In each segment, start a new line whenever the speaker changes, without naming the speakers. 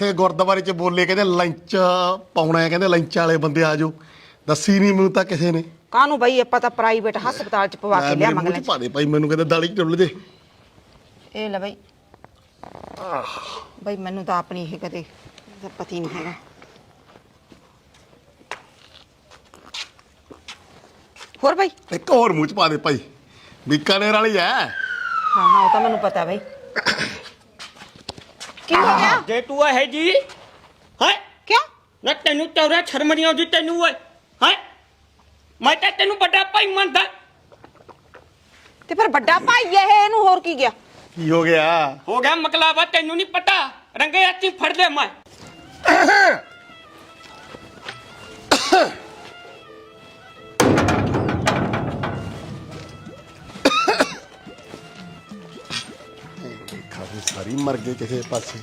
ਇੱਥੇ ਗੁਰਦੁਆਰੇ 'ਚ ਬੋਲੇ ਕਹਿੰਦੇ ਲੰਚ ਪਾਉਣਾ ਹੈ, ਕਹਿੰਦੇ ਲੰਚ ਵਾਲੇ ਬੰਦੇ ਆ ਜਾਓ। ਦੱਸੀ ਨਹੀਂ ਮੈਨੂੰ ਤਾਂ ਕਿਸੇ ਨੇ।
ਕਾਹਨੂੰ ਬਈ ਆਪਾਂ ਤਾਂ ਪ੍ਰਾਈਵੇਟ ਹਸਪਤਾਲ 'ਚ ਪਵਾ ਕੇ ਲਿਆ ਮੰਗਲੇ
ਪਾ ਦੇ ਭਾਈ, ਮੈਨੂੰ ਕਹਿੰਦੇ ਦਾਲੀ 'ਚ ਡੁੱਲ ਜੇ।
ਇਹ ਲੈ ਬਈ ਬਈ ਮੈਨੂੰ ਤਾਂ ਆਪਣੀ ਇਹ ਕਦੇ ਪਤੀ ਨਹੀਂ ਹੈਗਾ। ਹੋਰ ਬਈ
ਇੱਕ ਹੋਰ ਮੂੰਹ 'ਚ ਪਾ ਦੇ ਭਾਈ, ਬੀਕਾਨੇਰ ਵਾਲੀ ਹੈ।
ਹਾਂ ਹਾਂ ਉਹ ਤਾਂ ਮੈਨੂੰ ਪਤਾ ਬਈ। ਕੀ ਹੋ ਗਿਆ?
ਜੇ ਤੂੰ ਹੈ ਜੀ ਹੈ
ਕਿਉਂ?
ਨਾ ਤੈਨੂੰ ਚੌਰਾ ਸ਼ਰਮ ਨਹੀਂ ਆਉਂਦੀ ਤੈਨੂੰ ਓਏ ਹੈ? ਮੈਂ ਤਾਂ ਤੈਨੂੰ ਵੱਡਾ ਭਾਈ ਮੰਨਦਾ।
ਤੇ ਫਿਰ ਵੱਡਾ ਭਾਈ ਇਹ ਇਹਨੂੰ ਹੋਰ ਕੀ ਗਿਆ?
ਕੀ ਹੋ ਗਿਆ?
ਹੋ ਗਿਆ ਮਕਲਾਵਾ, ਤੈਨੂੰ ਨਹੀਂ ਪਤਾ। ਰੰਗੇ ਹੱਥੀਂ ਫੜ ਲੈ ਮੈਂ।
ਖਾਸੀ ਸਾਰੀ ਮਰ ਗਏ ਕਿਸੇ ਪਾਸੇ।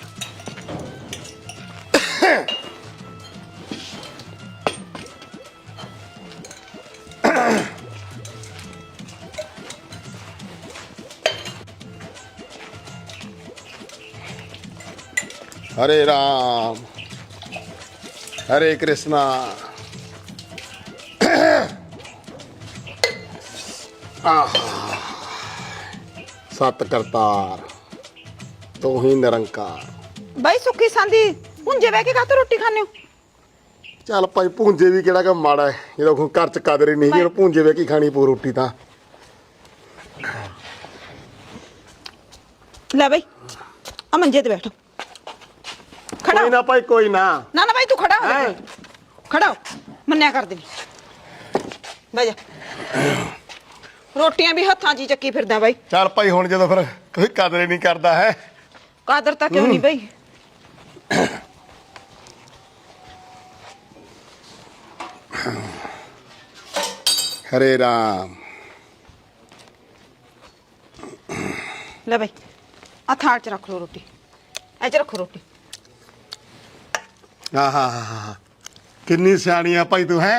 हरे राम हरे कृष्णा सत करतार तू ही निरंकार।
ਬਈ ਸੁੱਕੀ ਸਾਂਦੀ ਪੁੰਜੇ ਬਹਿ ਕੇ ਕਾਹਤੋਂ ਰੋਟੀ ਖਾਣੇ ਹੋ?
ਚੱਲ ਭਾਈ ਭੂੰਜੇ ਵੀ ਕਿਹੜਾ ਕੰਮ ਮਾੜਾ ਹੈ, ਜਦੋਂ ਹੁਣ ਘਰ ਚ ਕਦਰ ਹੀ ਨਹੀਂ, ਜਦੋਂ ਭੂੰਜੇ ਵੇ ਕੀ ਖਾਣੀ ਪੂ ਰੋਟੀ ਤਾਂ।
ਲੈ ਬਈ ਆ ਮੰਜੇ ਤੇ ਬੈਠ। ਖੜਾ
ਕੋਈ ਨਾ ਭਾਈ ਕੋਈ ਨਾ।
ਨਾ ਨਾ ਬਈ ਤੂੰ ਖੜਾ ਹੋ ਜਾ। ਖੜਾ ਹੋ, ਮੰਨਿਆ ਕਰ ਦੇ। ਬਹਿ ਜਾ। ਰੋਟੀਆਂ ਵੀ ਹੱਥਾਂ 'ਚ ਹੀ ਚੱਕੀ ਫਿਰਦਾ ਬਾਈ।
ਚੱਲ ਭਾਈ ਹੁਣ ਜਦੋਂ ਫਿਰ ਕੋਈ ਕਦਰ ਹੀ ਨਹੀਂ ਕਰਦਾ ਹੈ।
ਕਾਦਰ ਤਾਂ ਕਿਉਂ ਨਹੀਂ ਬਈ?
ਹਰੇ ਰਾਮ।
ਲੈ ਬਈ ਆ ਥਾਲ 'ਚ ਰੱਖ ਲੋ ਰੋਟੀ। ਐ 'ਚ ਰੱਖੋ ਰੋਟੀ।
ਆਹਾ ਕਿੰਨੀ ਸਿਆਣੀ ਆ ਭਾਈ ਤੂੰ ਹੈ।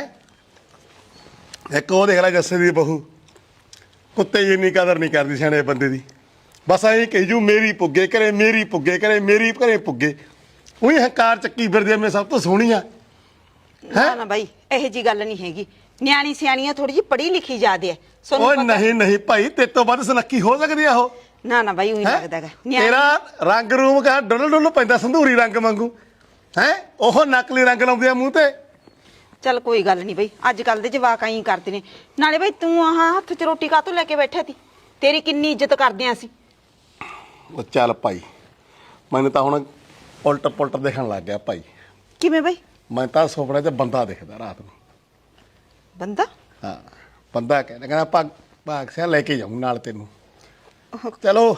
ਇੱਕ ਉਹ ਦੇਖ ਲੈ ਜੱਸੇ ਦੀ ਬਹੂ, ਕੁੱਤੇ ਜਿੰਨੀ ਕਦਰ ਨਹੀਂ ਕਰਦੀ ਸਿਆਣੇ ਬੰਦੇ ਦੀ। ਬਸ ਐਂ ਕਹੀ ਜੂ ਮੇਰੀ ਪੁੱਗੇ ਕਰੇ, ਮੇਰੀ ਪੁੱਗੇ ਕਰੇ, ਮੇਰੀ ਘਰੇ ਪੁੱਗੇ। ਉਹੀ ਹੰਕਾਰ ਚੱਕੀ ਫਿਰਦੀ ਮੈਂ ਸਭ ਤੋਂ ਸੋਹਣੀ ਆ।
ਨਾ ਨਾ ਬਾਈ ਇਹੋ ਜੀ ਗੱਲ ਨਹੀਂ ਹੈਗੀ। ਨਿਆਣੀ ਸਿਆਣੀਆਂ ਥੋੜੀ ਜਿਹੀ ਪੜ੍ਹੀ ਲਿਖੀ ਜ਼ਿਆਦੇ ਐ।
ਓਏ ਨਹੀਂ ਨਹੀਂ ਭਾਈ, ਤੇਰੇ ਤੋਂ ਵੱਧ ਸੁਨੱਖੀ ਹੋ ਸਕਦੀ ਆ ਉਹ।
ਨਾ ਨਾ ਬਾਈ ਉਹੀ ਲੱਗਦਾ ਹੈਗਾ।
ਤੇਰਾ ਰੰਗ ਰੂਮ ਕਾ ਡੁੱਲ ਡੁੱਲ ਪੈਂਦਾ ਸੰਧੂਰੀ ਰੰਗ ਵਾਂਗੂ ਹੈ। ਉਹ ਨਕਲੀ ਰੰਗ ਲਾਉਂਦੇ ਆ ਮੂੰਹ ਤੇ।
ਚੱਲ ਕੋਈ ਗੱਲ ਨਹੀਂ ਬਈ, ਅੱਜ ਕੱਲ ਦੇ ਜਵਾਕ ਆਈ ਕਰਦੇ ਨੇ। ਨਾਲੇ ਬਈ ਤੂੰ ਆਹ ਹੱਥ 'ਚ ਰੋਟੀ ਕਾਹਤੋਂ ਲੈ ਕੇ ਬੈਠਾ ਸੀ? ਤੇਰੀ ਕਿੰਨੀ ਇੱਜ਼ਤ ਕਰਦੇ ਆਂ ਅਸੀਂ।
ਉਹ ਚੱਲ ਭਾਈ, ਮੈਨੂੰ ਤਾਂ ਹੁਣ ਉਲਟ ਪੁਲਟ ਦੇਖਣ ਲੱਗ ਗਿਆ ਭਾਈ।
ਕਿਵੇਂ ਬਈ?
ਮੈਂ ਤਾਂ ਸੁਪਨੇ 'ਚ ਬੰਦਾ ਦਿਖਦਾ ਰਾਤ ਨੂੰ।
ਬੰਦਾ?
ਹਾਂ ਬੰਦਾ ਕਹਿੰਦਾ ਭਾਗ ਸਿਆ ਲੈ ਕੇ ਜਾਊਂ ਨਾਲ ਤੈਨੂੰ। ਚਲੋ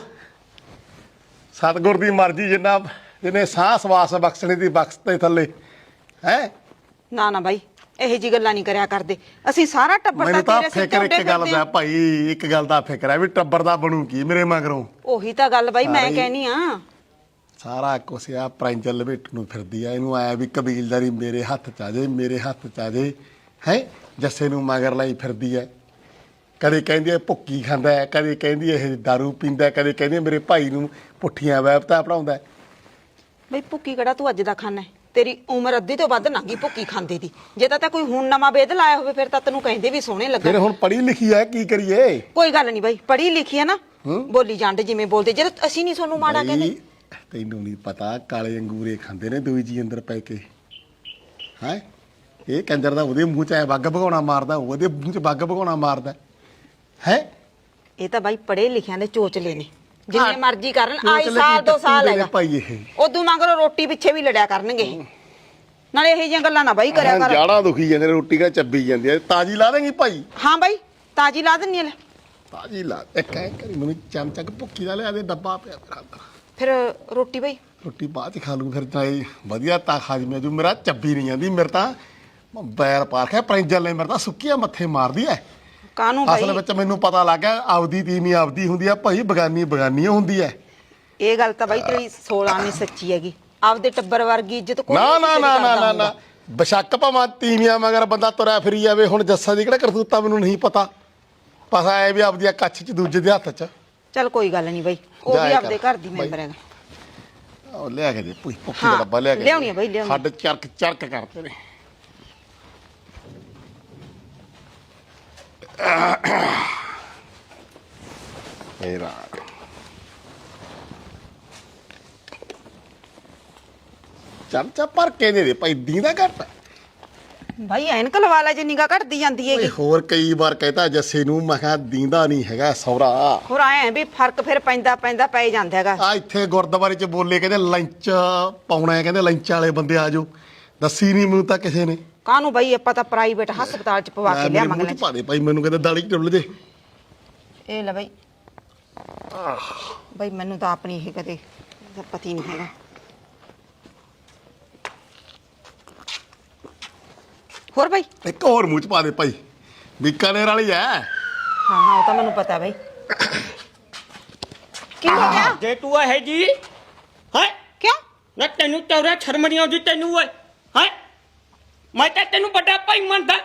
ਸਤਿਗੁਰ ਦੀ ਮਰਜ਼ੀ, ਜਿਹਨੇ ਸਾਹ ਸਵਾਸ ਬਖਸ਼ਣੇ ਦੀ ਬਖਸ਼ ਤੇ ਥੱਲੇ ਹੈ।
ਨਾ ਨਾ ਬਾਈ ਇਹੋ ਜੀ ਗੱਲਾਂ ਨਹੀਂ ਕਰਿਆ ਕਰਦੇ ਅਸੀਂ। ਸਾਰਾ ਟੱਬਰ
ਮੈਨੂੰ ਤਾਂ
ਤੇਰੇ ਸਿਰ
ਫਿਕਰ
ਤੇ
ਇੱਕ ਗੱਲ ਦਾ ਭਾਈ, ਇੱਕ ਗੱਲ ਦਾ ਫਿਕਰ ਹੈ ਵੀ ਟੱਬਰ ਦਾ ਬਣੂ ਕੀ ਮੇਰੇ ਮਗਰੋਂ।
ਉਹੀ ਤਾਂ ਗੱਲ ਬਾਈ ਮੈਂ ਕਹਿਨੀ ਆ।
ਸਾਰਾ ਕੁਛ ਆ ਪ੍ਰਾਂਜਲ ਲਪੇਟ ਨੂੰ ਫਿਰਦੀ ਆ। ਇਹਨੂੰ ਆਇਆ ਵੀ ਕਬੀਲਦਾਰੀ ਮੇਰੇ ਹੱਥ ਚ ਆ ਜੇ, ਮੇਰੇ ਹੱਥ ਚ ਆ ਜੇ ਹੈ। ਜੱਸੇ ਨੂੰ ਮਗਰ ਲਾਈ ਫਿਰਦੀ ਹੈ। ਕਦੇ ਕਹਿੰਦੀ ਹੈ ਭੁੱਕੀ ਖਾਂਦਾ ਹੈ, ਕਦੇ ਕਹਿੰਦੀ ਇਹ ਦਾਰੂ ਪੀਂਦਾ, ਕਦੇ ਕਹਿੰਦੀ ਮੇਰੇ ਭਾਈ ਨੂੰ ਪੁੱਠੀਆਂ ਵਹਿਬਤਾਂ ਪੜਾਉਂਦਾ।
ਬਈ ਭੁੱਕੀ ਕਿਹੜਾ ਤੂੰ ਅੱਜ ਦਾ ਖਾਣਾ ਹੈ? ਤੇਰੀ ਉਮਰ ਅੱਧੀ ਤੋਂ ਵੱਧ ਲੰਘੀ ਭੁੱਕੀ ਖਾਂਦੇ ਦੀ। ਜੇ ਤਾਂ ਕੋਈ ਹੁਣ ਨਵਾਂ ਵੇਦ ਲਾਇਆ ਹੋਵੇ ਫਿਰ ਤਾਂ ਤੈਨੂੰ ਕਹਿੰਦੇ ਵੀ ਸੋਹਣੇ ਲੱਗਾ।
ਫਿਰ ਹੁਣ ਪੜ੍ਹੀ ਲਿਖੀ ਆ, ਕੀ ਕਰੀਏ?
ਕੋਈ ਗੱਲ ਨਹੀਂ ਬਾਈ, ਪੜ੍ਹੀ ਲਿਖੀ ਹੈ ਨਾ, ਬੋਲੀ ਜਾਂਦੇ ਜਿਵੇਂ ਬੋਲਦੇ। ਜੇ ਅਸੀਂ ਨਹੀਂ ਤੁਹਾਨੂੰ ਮਾੜਾ ਕਹਿੰਦੇ।
ਤੈਨੂੰ ਨਹੀਂ ਪਤਾ ਕਾਲੇ ਅੰਗੂਰੇ ਖਾਂਦੇ ਨੇ ਦੋਈ ਜੀ ਅੰਦਰ ਪੈ ਕੇ ਹੈ। ਇਹ ਕੰਜਰ ਦਾ ਉਹਦੇ ਮੂੰਹ 'ਚ ਐ ਵੱਗ ਭਗਾਉਣਾ ਮਾਰਦਾ, ਉਹਦੇ ਮੂੰਹ 'ਚ ਵੱਗ ਭਗਾਉਣਾ ਮਾਰਦਾ ਹੈ।
ਇਹ ਤਾਂ ਬਾਈ ਪੜ੍ਹੇ ਲਿਖਿਆਂ ਦੇ ਚੋਚਲੇ ਨੇ, ਜਿੰਨੇ ਮਰਜ਼ੀ ਕਰਨ। ਆਈ ਸਾਲ 2 ਸਾਲ ਹੈਗਾ
ਭਾਈ। ਇਹ
ਉਦੋਂ ਮਗਰੋਂ ਰੋਟੀ ਪਿੱਛੇ ਵੀ ਲੜਿਆ ਕਰਨਗੇ। ਨਾਲੇ ਇਹੋ ਜਿਹੀਆਂ ਗੱਲਾਂ ਨਾ ਬਾਈ ਕਰਿਆ ਕਰ।
ਜਾੜਾ ਦੁਖੀ ਜਾਂਦੇ, ਰੋਟੀ ਕਾ ਚੱਬੀ ਜਾਂਦੀ ਹੈ। ਤਾਜੀ ਲਾ ਦੇਂਗੀ ਭਾਈ?
ਹਾਂ ਬਾਈ ਤਾਜੀ ਲਾ ਦਿੰਨੀ ਆ। ਲੈ
ਤਾਜੀ ਲਾ। ਇੱਕ ਐ ਕਰੀ ਮੈਨੂੰ ਚਮਚਾ ਭੁੱਕੀ ਦਾ ਲਿਆ ਦੇ, ਡੱਬਾ ਪਿਆ ਮੇਰਾ ਅੰਦਰ।
ਫਿਰ ਰੋਟੀ ਬਾਈ?
ਰੋਟੀ ਬਾਅਦ ਚ ਖਾ ਲੂ ਫਿਰ ਤਾਂ। ਇਹ ਵਧੀਆ ਤਾਂ ਖਾ ਜੀ। ਜੋ ਮੇਰਾ ਚੱਬੀ ਨਹੀਂ ਜਾਂਦੀ, ਮੇਰੇ ਤਾਂ ਬੈਰ ਪਾ ਕੇ ਪ੍ਰਿੰਜਲ ਨੇ ਮੇਰੇ ਤਾਂ ਸੁੱਕੀਆਂ ਮੱਥੇ ਮਾਰਦੀ ਐ।
ਕਾਹਨੂੰ ਬਾਈ?
ਅਸਲ ਵਿੱਚ ਮੈਨੂੰ ਪਤਾ ਲੱਗ ਗਿਆ ਆਪਦੀ ਤੀਵੀਂ ਆਪਦੀ ਹੁੰਦੀ ਆ ਭਾਈ, ਬਗਾਨੀ ਬਗਾਨੀ ਹੁੰਦੀ ਐ।
ਇਹ ਗੱਲ ਤਾਂ ਬਾਈ ਤੇਰੀ 16 ਨਹੀਂ ਸੱਚੀ ਹੈਗੀ। ਆਪਦੇ ਟੱਬਰ ਵਰਗੀ ਇੱਜ਼ਤ ਕੋਈ
ਨਾ ਨਾ ਨਾ ਨਾ ਨਾ ਬਸ਼ੱਕ ਭਾਵੇਂ ਤੀਵੀਆਂ ਮਗਰ ਬੰਦਾ ਤੁਰਿਆ ਫਿਰੀ ਜਾਵੇ। ਹੁਣ ਜੱਸਾ ਦੀ ਕਿਹੜਾ ਕਰਤੂਤਾ ਮੈਨੂੰ ਨਹੀਂ ਪਤਾ। ਪਤਾ ਐ ਵੀ ਆਪਦੀਆਂ ਕੱਛ ਚ ਦੂਜੇ ਦੇ ਹੱਥ ਚ।
ਚੱਲ ਕੋਈ ਗੱਲ ਨਹੀਂ ਬਾਈ, ਉਹ ਵੀ ਆਪਦੇ ਘਰ ਦੀ ਮੈਂਬਰ ਹੈਗਾ।
ਉਹ ਲਿਆ ਕੇ ਦੇ ਭੁੱਖੀ
ਹਾਂ,
ਦਾ ਡੱਬਾ ਲਿਆ ਕੇ
ਲਿਆਉਣੀ ਆ ਬਈ, ਲਿਆਉਣੀ।
ਹੱਡ ਚਰਕ ਚਰਕ ਕਰਦੇ ਨੇ ਮੇਰਾ ਚਮਚਾ ਭਰ ਕੇ ਦੇ ਦੇ ਭਾਈ ਦੀਂਦਾ ਘੱਟ
ਭਾਈ ਐਨਕ ਲਵਾ ਲੈ ਜੇ ਨਿਗਾ ਘਟਦੀ ਜਾਂਦੀ
ਓਏ
ਹੈਗੀ
ਹੋਰ ਕਈ ਵਾਰ ਕਹਿਤਾ ਜੱਸੇ ਨੂੰ ਮੈਂ ਕਿਹਾ ਦੀਂਦਾ ਨਹੀਂ ਹੈਗਾ ਸੌਰਾ
ਹੋਰ ਆਏ ਵੀ ਫਰਕ ਫਿਰ ਪੈਂਦਾ ਪੈ ਜਾਂਦਾ ਹੈਗਾ
ਆ ਇੱਥੇ ਗੁਰਦੁਆਰੇ ਚ ਬੋਲੇ ਕਹਿੰਦੇ ਲੰਚ ਪਾਉਣਾ ਹੈ ਕਹਿੰਦੇ ਲੰਚ ਵਾਲੇ ਬੰਦੇ ਆ ਜਾਓ ਦੱਸੀ ਨਹੀਂ ਮੈਨੂੰ ਤਾਂ ਕਿਸੇ ਨੇ
ਕਾਹਨੂੰ ਭਾਈ ਆਪਾਂ ਤਾਂ ਪ੍ਰਾਈਵੇਟ ਹਸਪਤਾਲ ਚ ਪਵਾ ਕੇ
ਮੇਰੇ
ਲਿਆ
ਮੂੰਹ
ਮੰਗਲੇ
ਚ ਪਾ ਦੇ ਭਾਈ ਮੈਨੂੰ ਕਹਿੰਦੇ ਦਾੜੀ ਟੁੱਲ ਜੇ
ਇਹ ਲੈ ਭਾਈ ਭਾਈ ਮੈਨੂੰ ਤਾਂ ਆਪਣੀ ਇਹ ਕਦੇ ਪਤੀ ਨਹੀਂ ਹੈਗਾ ਹੋਰ ਭਾਈ
ਇੱਕ ਹੋਰ ਮੂੰਹ ਚ ਪਾ ਦੇ ਭਾਈ ਬੀਕਾਨੇਰ ਵਾਲੀ ਐ
ਹਾਂ ਉਹ ਤਾਂ ਮੈਨੂੰ ਪਤਾ ਭਾਈ ਕੀ ਹੋ ਗਿਆ
ਜੇ ਤੂੰ ਹੈ ਜੀ ਹੈ
ਕਿਉਂ
ਨਾ ਤੈਨੂੰ ਚੌਰਾ ਸ਼ਰਮ ਨਹੀਂ ਆਉਂਦੀ ਤੈਨੂੰ ਓਏ ਹੈ ਮੈਂ ਤਾਂ ਤੈਨੂੰ ਵੱਡਾ ਭਾਈ ਮੰਨਦਾ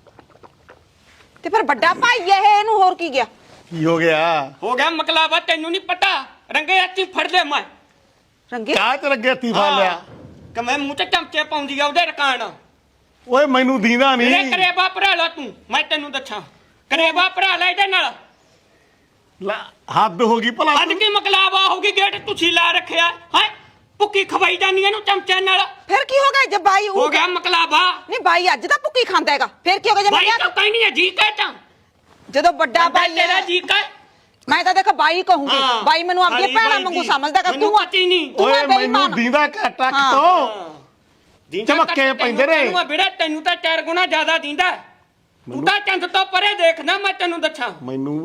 ਤੇ ਫਿਰ ਵੱਡਾ ਭਾਈ ਇਹ ਇਹਨੂੰ ਹੋਰ ਕੀ ਗਿਆ
ਕੀ ਹੋ ਗਿਆ
ਹੋ ਗਿਆ ਮਕਲਾਵਾ ਤੈਨੂੰ ਨਹੀਂ ਪਤਾ ਰੰਗੇ ਹੱਥੀ ਫੜ ਲੈ ਮੈਂ
ਰੰਗੇ
ਕਾਹ ਤੇ ਲੱਗੇ ਹੱਥੀ ਫੜ ਲਿਆ
ਕਿ ਮੈਂ ਮੂੰਹ ਤੇ ਚਮਚੇ ਪਾਉਂਦੀ ਆ ਉਹਦੇ ਰਕਾਨ
ਓਏ ਮੈਨੂੰ ਦੀਂਦਾ
ਮੇਰੇ
ਨਹੀਂ
ਕਰੇਬਾ ਭਰਾ ਲਾ ਤੂੰ ਮੈਂ ਤੈਨੂੰ ਦੱਸਾਂ ਕਰੇਬਾ ਭਰਾ ਲੈ ਇਹਦੇ ਨਾਲ
ਲੈ, ਹੱਦ ਹੋ ਗਈ ਭਲਾ
ਅੱਜ ਕੀ ਮਕਲਾਵਾ ਹੋਗੀ ਗੇਟ ਤੁਸੀਂ ਲਾ ਰੱਖਿਆ ਹੈ ਭੁੱਕੀ ਖਵਾਈ ਜਾਂਦੀ ਇਹਨੂੰ ਚਮਚਿਆਂ ਨਾਲ
ਫਿਰ ਕੀ ਹੋ ਗਿਆ ਜੇ ਬਾਈ
ਹੋ ਗਿਆ ਮਕਲਾਵਾ
ਨਹੀਂ ਬਾਈ ਅੱਜ ਤਾਂ ਭੁੱਕੀ ਖਾਂਦਾ ਹੈਗਾ ਫਿਰ ਕੀ ਹੋ ਗਿਆ ਜੇ
ਭਾਈ
ਮੈਂ
ਤਾਂ ਕਹਿ ਨਹੀਂ ਹੈ ਜੀ ਕਹਿ ਤਾਂ
ਜਦੋਂ ਵੱਡਾ ਬਾਈ
ਤੇਰਾ
ਹੈ
ਜੀ ਕਹਿ
ਮੈਂ ਤਾਂ ਦੇਖ ਬਾਈ ਕਹੂੰਗੀ
ਹਾਂ,
ਬਾਈ ਮੈਨੂੰ ਆਪਣੀ
ਖਾਲੀ
ਭੈਣਾਂ
ਬਾਈ
ਵਾਂਗੂ
ਜੀ।
ਸਮਝਦਾ ਕਿ
ਮੈਨੂੰ
ਤੂੰ
ਪਤਾ ਹੀ ਨਹੀਂ।
ਤੂੰ
ਓਏ
ਹੈ
ਮੈਨੂੰ
ਬੇਈਮਾਨ
ਦੀਂਦਾ ਘੱਟ ਅੱਖ
ਹਾਂ।
ਤੋਂ ਚਮੱਕੇ ਪੈਂਦੇ ਨੇ
ਵੀਰੇ ਤੈਨੂੰ ਤਾਂ 4 ਗੁਣਾ ਜ਼ਿਆਦਾ ਦਿੰਦਾ ਤੂੰ ਤਾਂ ਚੰਦ ਤੋਂ ਪਰੇ ਦੇਖਣਾ ਮੈਂ ਤੈਨੂੰ ਦੱਸਾਂ
ਮੈਨੂੰ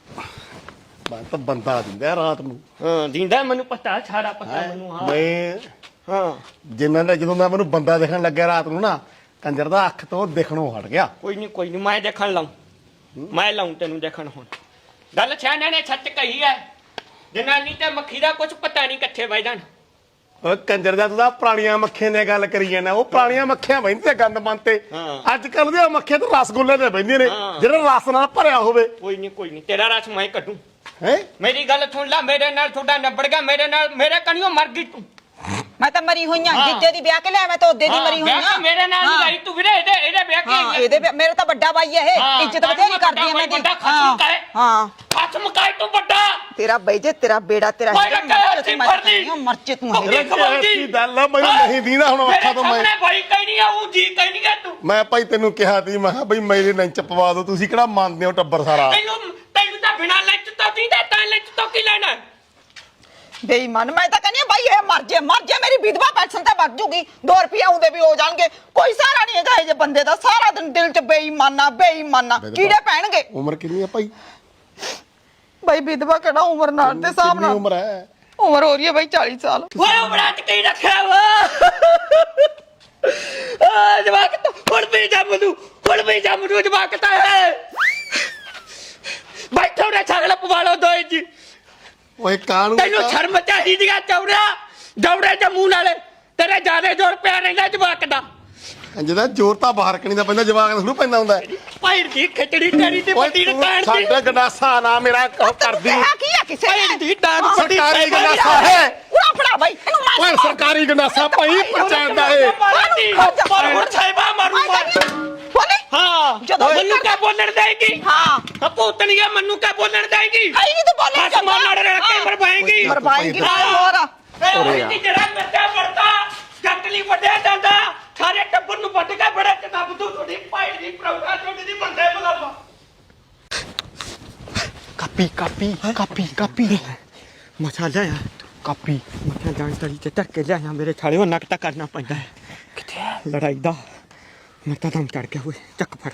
ਮੈਂ ਤਾਂ ਬੰਦਾ ਦਿੰਦਾ ਰਾਤ ਨੂੰ
ਹਾਂ ਦਿੰਦਾ ਮੈਨੂੰ ਪਤਾ ਸਾਰਾ ਪਤਾ ਮੈਨੂੰ ਹਾਂ
ਮੈਂ
ਹਾਂ
ਜਿੰਨਾਂ ਦਾ ਜਦੋਂ ਦਾ ਮੈਨੂੰ ਬੰਦਾ ਦੇਖਣ ਲੱਗਿਆ ਰਾਤ ਨੂੰ ਨਾ ਕੰਜਰ ਦਾ ਅੱਖ ਤੋਂ ਦਿਖਣੋਂ ਹਟ ਗਿਆ
ਕੋਈ ਨਹੀਂ ਮੈਂ ਦੇਖਣ ਲਾਉਂ ਮੈਂ ਲਾਉਂ ਤੈਨੂੰ ਦੇਖਣ ਹੁਣ ਗੱਲ ਸਿਆਣੇ ਨੇ ਸੱਚ ਕਹੀ ਹੈ ਜਨਾਨੀ ਤੇ ਮੱਖੀ ਦਾ ਕੁਝ ਪਤਾ ਨਹੀਂ ਕਿੱਥੇ ਵਜ ਜਾਣ
ਓਏ ਕੰਜਰ ਦਾ ਤੂੰ ਤਾਂ ਪੁਰਾਣੀਆਂ ਮੱਖੀਆਂ ਨੇ ਗੱਲ ਕਰੀ ਜਾਂਦਾ ਉਹ ਪੁਰਾਣੀਆਂ ਮੱਖੀਆਂ ਬੈਂਦੀਆਂ ਗੰਦ ਮਨ ਤੇ
ਹਾਂ।
ਅੱਜ ਕੱਲ ਦੀਆਂ ਮੱਖੀਆਂ ਤਾਂ ਰਸਗੁੱਲੇ ਤੇ ਬੈਂਦੀਆਂ ਨੇ
ਹਾਂ।
ਜਿਹੜਾ ਰਸ ਨਾਲ ਭਰਿਆ ਹੋਵੇ
ਕੋਈ ਨਹੀਂ ਤੇਰਾ ਰਸ ਮੈਂ ਕੱਢੂ
ਹੈ
ਮੇਰੀ ਗੱਲ ਸੁਣ ਲੈ ਮੇਰੇ ਨਾਲ ਤੁਹਾਡਾ ਨਿਬੜ ਗਿਆ ਮੇਰੇ ਕਣੀਓ ਮਰ ਗਈ ਤੂੰ
ਮੈਂ ਤਾਂ ਮਰੀ ਹੋਈਆਂ
ਹਾਂ।
ਜਿੱਦੇ ਦੀ ਵਿਆਹ ਕੇ ਲਿਆ ਮੈਂ ਤਾਂ ਉਹਦੇ ਦੀ ਮਰੀ ਹੋਈਆਂ
ਵਿਆਹ ਮੇਰੇ ਨਾਲ ਨਹੀਂ ਗਈ ਤੂੰ ਵੀਰੇ ਇਹਦੇ ਵਿਆਹ
ਹਾਂ
ਕੇ
ਇਹਦੇ ਮੇਰੇ ਤਾਂ ਵੱਡਾ ਬਾਈ ਹੈ
ਹਾਂ,
ਇਹ ਇੱਜ਼ਤ ਬਥੇਰੀ ਕਰਦੀ ਹੈ ਮੈਂ
ਵੱਡਾ ਖਸਮ ਕਹੇ।
ਹਾਂ
ਖਸਮ ਕਾਇ ਤੂੰ ਵੱਡਾ
ਤੇਰਾ ਬਾਈ ਜੇ ਤੇਰਾ ਬੇੜਾ ਤੇਰਾ
ਮੈਂ
ਹੈਗਾ,
ਕਿਹਾ
ਮਰਚੇ
ਅਸੀਂ ਫੜਦੀ।
ਮਰਚੇ ਤੂੰ
ਭੁੱਖੀ
ਹੈਗਾ।
ਖਵਾਉਂਦੀ।
ਕੀ ਗੱਲ ਆ, ਮੈਨੂੰ ਨਹੀਂ ਦੀਂਦਾ ਹੁਣ ਅੱਖਾਂ ਤੋਂ ਮੈਂ।
ਮੇਰੇ ਸਾਹਮਣੇ ਭਾਈ ਕਹਿ ਨਹੀਂ ਆ ਉਹ ਜੀ ਕਹਿ ਨਹੀਂ ਆ ਤੂੰ
ਮੈਂ ਭਾਈ ਤੈਨੂੰ ਕਿਹਾ ਤੀ ਮੈਂ ਕਿਹਾ ਬਈ ਮੇਰੇ ਲੰਚ ਪਵਾ ਦਿਓ ਤੁਸੀਂ ਕਿਹੜਾ ਮੰਨਦੇ ਹੋ ਟੱਬਰ ਸਾਰਾ
ਤੈਨੂੰ ਤਾਂ ਬਿਨਾਂ ਲੈਂਚ ਤੋਂ ਦੀਦਾ ਤਾਂ ਲੈਂਚ ਤੋਂ ਕੀ ਲੈਣਾ
ਬੇਈਮਾਨ ਮੈਂ ਤਾਂ ਕਹਿੰਦੀ ਹਾਂ ਬਾਈ ਇਹ ਮਰ ਜੇ ਮੇਰੀ ਵਿਧਵਾ ਪੈਨਸ਼ਨ ਤੇ ਵੱਧ ਜੂਗੀ 2 ਰੁਪਏ ਆਉਂਦੇ ਵੀ ਹੋ ਜਾਣਗੇ ਕੋਈ ਸਹਾਰਾ ਨਹੀਂ ਹੈਗਾ ਇਹ ਜੇ ਬੰਦੇ ਦਾ ਸਾਰਾ ਦਿਨ ਦਿਲ 'ਚ ਬੇਈਮਾਨਾ ਕੀੜੇ ਪੈਣਗੇ
ਉਮਰ ਕਿੰਨੀ ਆ ਭਾਈ
ਬਾਈ ਵਿਧਵਾ ਕਿਹੜਾ ਉਮਰ ਨਾਲ ਦੇ ਹਿਸਾਬ
ਕਿੰਨੀ
ਨਾਲ
ਉਮਰ ਹੈ
ਉਮਰ ਹੋ ਰਹੀ ਹੈ ਬਾਈ 40 ਸਾਲ
ਓਏ ਉਮਰਾਂ ਚ ਕੀ ਰੱਖਿਆ ਵਾ ਆ ਜਵਾਕ ਤਾਂ ਹੁਣ ਵੀ ਜੰਮ ਨੂੰ ਜਵਾਕ ਤਾਂ ਹੈ ਬੈਠੋ ਰੇ ਛਗਲ ਪਵਾ ਲਓ ਦੋਏ ਜੀ
ਓਏ ਕਾਣੂ
ਤੈਨੂੰ ਸ਼ਰਮ ਚਾਹੀਦੀ ਆ ਚੌੜਾ ਜੌੜੇ ਦੇ ਮੂੰਹ ਨਾਲੇ ਤੇਰੇ ਜਿਆਦੇ ਜ਼ੋਰ ਪਿਆ ਰਹਿੰਦਾ ਜਵਾਕ ਦਾ
ਜਿਹਦਾ ਜ਼ੋਰ ਤਾਂ ਬਾਹਰ ਕਣੀ ਦਾ ਪੈਂਦਾ ਜਵਾਕ ਨੂੰ ਪੈਂਦਾ ਹੁੰਦਾ ਹੈ।
ਭਾਈ ਦੀ ਖਿਚੜੀ ਤੇਰੀ ਤੇ ਵੱਡੀ
ਤੂੰ
ਰਕਾਨ ਦੀ
ਸਾਡਾ ਗੰਡਾਸਾ ਨਾ ਮੇਰਾ ਕਰਦੀ
ਕਿਹਾ ਕੀ ਆ ਕਿਸੇ
ਭਾਈ
ਨੇ
ਦੀ ਡਾਂਗ ਵੱਡੀ
ਸਰਕਾਰੀ ਗੰਡਾਸਾ ਹੈ
ਉਰਾ ਫੜਾ ਬਾਈ ਇਹਨੂੰ ਮਾਰ
ਓਏ ਸਰਕਾਰੀ ਗੰਡਾਸਾ ਭਾਈ ਪਛਾਣਦਾ ਏ
ਹੁਣ ਸਾਹਿਬਾ ਮਾਰੂ
ਬੋਲੇ
ਹਾਂ
ਜਦੋਂ
ਮੈਨੂੰ ਕਿਆ ਬੋਲਣ ਦੇਗੀ
ਹਾਂ
ਭੂਤਣੀਆ ਮੈਨੂੰ ਕਿਆ ਬੋਲਣ ਦੇਗੀ
ਆਈ ਨਹੀਂ ਤੂੰ ਬੋਲੇ
ਹੱਥ ਮਾਰ ਲੜ ਰਿਹਾ ਕੇ ਮਰਵਾਏਗੀ
ਮਰਵਾਏਗੀ ਹੋਰ
ਇਹ ਜਿਹੜਾ ਮਿੱਟਾ ਵਰਤਾ ਜੱਟਲੀ ਵੱਡਿਆ ਜਾਂਦਾ ਸਾਰੇ ਟੱਬਰ ਨੂੰ ਵੱਢ ਕੇ ਬੜਾ ਚੰਗਾ ਬੁੱਧੂ ਤੁਹਾਡੀ ਪਾਈ ਦੀ ਪ੍ਰਭਾ ਤੁਹਾਡੀ ਦੀ ਬੰਦੇ ਬਲਾਵਾ
ਕਾਪੀ
ਮਛਾ ਲਿਆ
ਕਾਪੀ
ਮਛਾ ਜਾਣ ਤਲੀ ਤੇ ਧੱਕੇ ਲਿਆ ਮੇਰੇ ਛਾਲੇ ਉਹ ਨਕਤਾ ਕਰਨਾ ਪੈਂਦਾ ਹੈ ਕਿੱਥੇ ਲੜਾਈ ਦਾ ਮੈਂ ਤਾਂ ਦਮ ਚੜ ਗਿਆ ਓਏ ਚੱਕ ਫੜ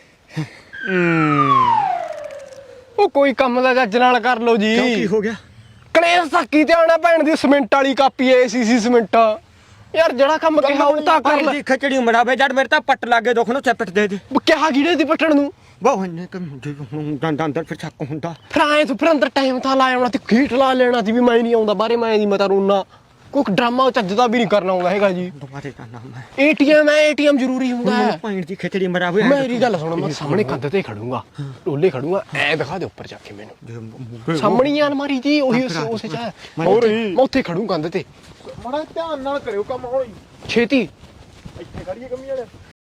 ਉਹ ਕੋਈ ਕੰਮ ਦਾ ਜੱਜ ਨਾਲ ਕਰ ਲਓ ਜੀ
ਕਿਉਂ ਕੀ ਹੋ ਗਿਆ
ਕਲੇਸ਼ ਸਾਕੀ ਤੇ ਆਣਾ ਭੈਣ ਦੀ ਸਿਮੈਂਟ ਵਾਲੀ ਕਾਪੀ ਐ ਸੀਸੀ ਸਿਮੈਂਟ ਯਾਰ ਜਿਹੜਾ ਕੰਮ ਕਿਹਾ ਉਹ ਤਾਂ ਕਰ ਲੈ
ਦੀ ਖਿਚੜੀ ਮੜਾਵੇ ਜੜ ਮੇਰੇ ਤਾਂ ਪੱਟ ਲੱਗੇ ਦੁੱਖ ਨੂੰ ਚਪਟ ਦੇ ਦੇ
ਕਿਹਾ ਕਿਹੜੇ ਦੀ ਪੱਟਣ ਨੂੰ
ਬਹੁਤ ਨੇ ਕਿ ਮੁੰਡੇ ਹੁਣ ਦੰਦਾਂ ਅੰਦਰ ਫਿਰ ਚੱਕ ਹੁੰਦਾ
ਫਿਰ ਆਏ ਤੂੰ ਫਿਰ ਅੰਦਰ ਟਾਈਮ ਤਾਂ ਲਾਇਆ ਹੋਣਾ ਤੇ ਖੀਟ ਲਾ ਲੈਣਾ ਸੀ ਵੀ ਮੈਂ ਨਹੀਂ ਆਉਂਦਾ ਬਾਰੇ ਮੈਂ ਨਹੀਂ ਮਤਾ ਰੋਣਾ ਕੋਈ ਡਰਾਮਾ ਚੱਜਦਾ ਵੀ ਨਹੀਂ ਕਰਨਾ ਆਉਂਦਾ ਹੈਗਾ ਜੀ
ਦੁਬਾਰੇ ਦਾ ਨਾਮ ਹੈ
ਏਟੀਐਮ ਜ਼ਰੂਰੀ ਹੁੰਦਾ ਹੈ
ਪਾਣੀ ਦੀ ਖਿਚੜੀ ਮੜਾਵੇ
ਮੇਰੀ ਗੱਲ ਸੁਣ ਮੈਂ ਸਾਹਮਣੇ ਕੰਧ ਤੇ ਖੜੂੰਗਾ ਢੋਲੇ ਖੜੂੰਗਾ ਐ ਦਿਖਾ ਦੇ ਉੱਪਰ ਜਾ ਕੇ ਮੈਨੂੰ ਸਾਹਮਣੇ ਅਲਮਾਰੀ ਜੀ ਉਹੀ ਉਸੇ ਚ ਹੈ ਮੈਂ ਉੱਥੇ ਖੜੂ ਕੰਧ ਤੇ
ਮਾੜਾ ਧਿਆਨ ਨਾਲ ਕਰਿਓ ਕੰਮ ਹੌਲੀ
ਛੇਤੀ
ਇੱਥੇ ਖੜੀਏ ਕੰਮੀ ਵਾਲੇ